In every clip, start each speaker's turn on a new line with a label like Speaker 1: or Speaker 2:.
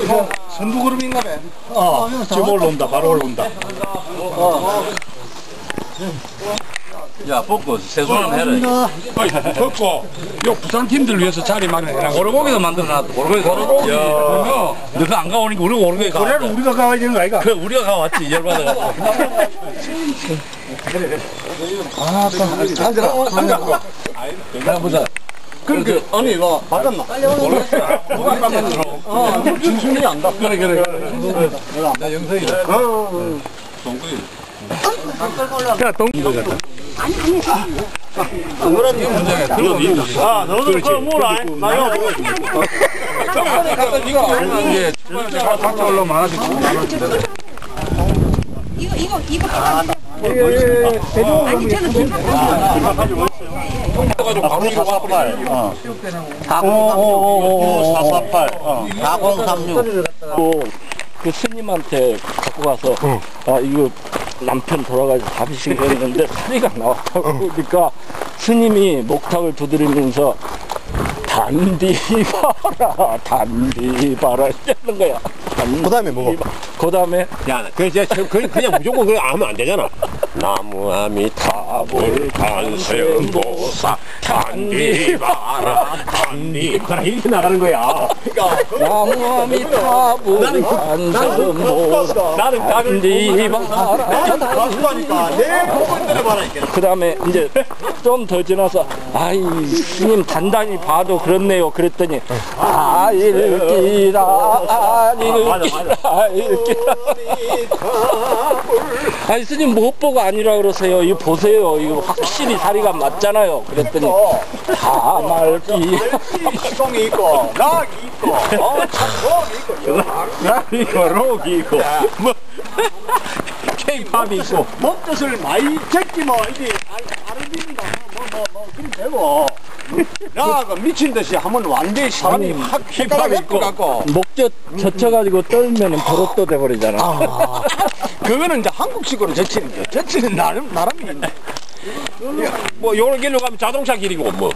Speaker 1: 선두그룹인가 봐.
Speaker 2: 지금 올라온다. 바로 올라온다.
Speaker 3: 야, 벗고 세수는 해라.
Speaker 2: 벗고 요 부산 팀들 위해서 자리 마련해라.
Speaker 3: 오르고기도 만들어놨다. 오르고기. 야, 너가 안 가오니까 우리가 오르고기 가.
Speaker 2: 그래도 우리가 가야 되는 거 아이가?
Speaker 3: 그래, 우리가 가왔지. 열받아가지고.
Speaker 1: 아, 앉아라.
Speaker 3: 보자.
Speaker 1: 그렇게, 아니, 이거, 맞았나?
Speaker 3: 누가 만들어?
Speaker 1: 진순이 안다.
Speaker 3: 그래. 나 영석이다. 동구이.
Speaker 2: 야, 동기도 같다.
Speaker 1: 너도 그걸 몰라. 나 이거
Speaker 3: 이게
Speaker 2: 같이 올라오면 하나씩
Speaker 4: 이거 아니 저는
Speaker 3: 가지고 바로 이거 와빨.
Speaker 5: 4036. 그 스님한테 갖고 가서 이거 남편 돌아가서 잡으신 거였는데 소리가 나왔다고 그러니까 스님이 목탁을 두드리면서 단디 봐라 이러는 거야.
Speaker 1: 그 다음에 뭐고?
Speaker 5: 그 다음에
Speaker 6: 야, 그냥 무조건 그거 하면 안 되잖아. 나무 아미타불 간세음보사 단디바라 단디바라 이렇게 나가는 거야.
Speaker 5: 나무 아미타불 간세음보사 단디바라
Speaker 1: 가수하니까 내 복을 들어봐라.
Speaker 5: 그 다음에 이제 좀 더 지나서 아이 스님 단단히 봐도 그렇네요 그랬더니 읽기라 아니 스님 못 보고 아니라 그러세요. 이거 보세요. 이거 확실히 다리가 맞잖아요. 그랬더니 다 말기
Speaker 1: 똥이 있고 낙이 있고
Speaker 6: 락이 있고 록이 있고 뭐 케이팝이 있고
Speaker 1: 먹뜻을 많이 제끼면 이게 아르빈가 뭐 그럼 되고 나가 미친 듯이 하면 완전히 사람이 확 힙합이 있고
Speaker 5: 목젖 젖혀가지고 떨면은 버릇도 돼버리잖아.
Speaker 1: 그거는 이제 한국식으로 제치는 거야. 제치는 나름이 있네.
Speaker 6: 뭐 요런 길로 가면 자동차 길이고 뭐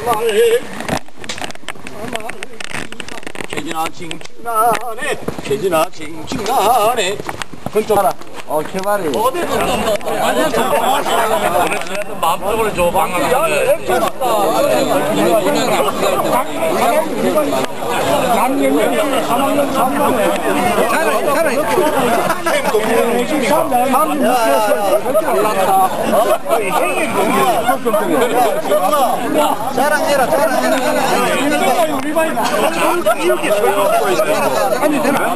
Speaker 1: 개지나 칭칭나네 개지나 칭칭나네 그쪽 하나
Speaker 5: 개발이
Speaker 3: 마음속으로 줘, 방황하는데.
Speaker 1: 자랑해라 아니 되나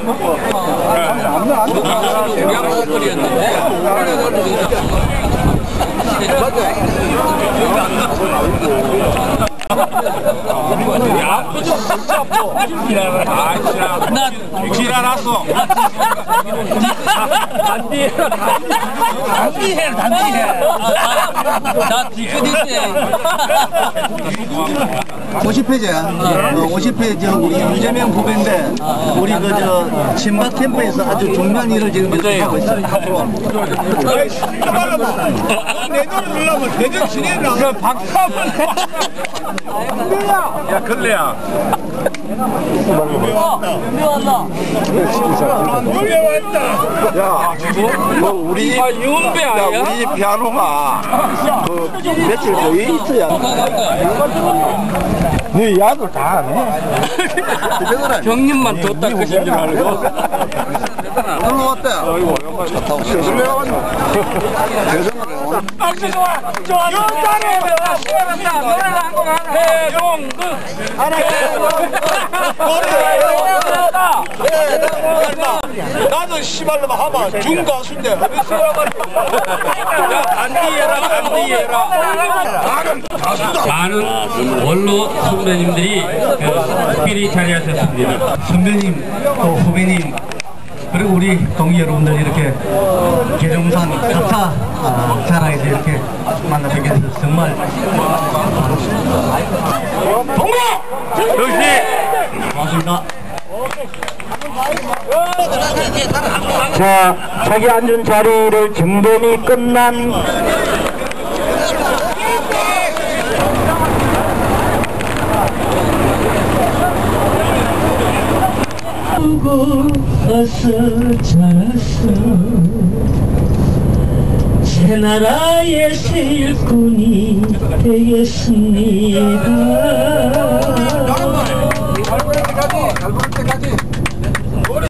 Speaker 6: 야, 그죠? 진짜 아파. 나 지랄났어.
Speaker 3: 단디해라. 나 뒤끝인데.
Speaker 7: 50회제야. 50회 우리 윤재명 후배인데 우리 친박 캠프에서 아주 중요한 일을 지금 하고 있어요.
Speaker 1: 내년을 누르면 내년 진행을 하면
Speaker 6: 박수 한번 해. 야, 근래야.
Speaker 1: 야, 뭐 우리
Speaker 3: 윤배 아니야?
Speaker 1: 우리 피아노가 며칠 거의 있어야 네 야도 다 하네.
Speaker 5: 형님만 더 닦으신 줄 알고
Speaker 1: 놀러 왔다.
Speaker 3: 박수 좋아. 윤단에 시원한다. 노래를 한 곡 하나. 해동극.
Speaker 1: 나는 씨발로만 하면 중가수인데
Speaker 8: 많은 원로 선배님들이 특별히 자리하셨습니다. 선배님, 또 후배님, 그리고 우리 동기 여러분들 이렇게 계룡산 4차 자랑에서 이렇게 만나 뵙게 돼서 정말
Speaker 6: 동구! 역시!
Speaker 8: 고맙습니다.
Speaker 5: 자, 자기 앉은 자리를 정돈이 끝난
Speaker 4: 죽어서 자랐어 새 나라의 새 일꾼이 되겠습니다.
Speaker 3: 잘 부를 때까지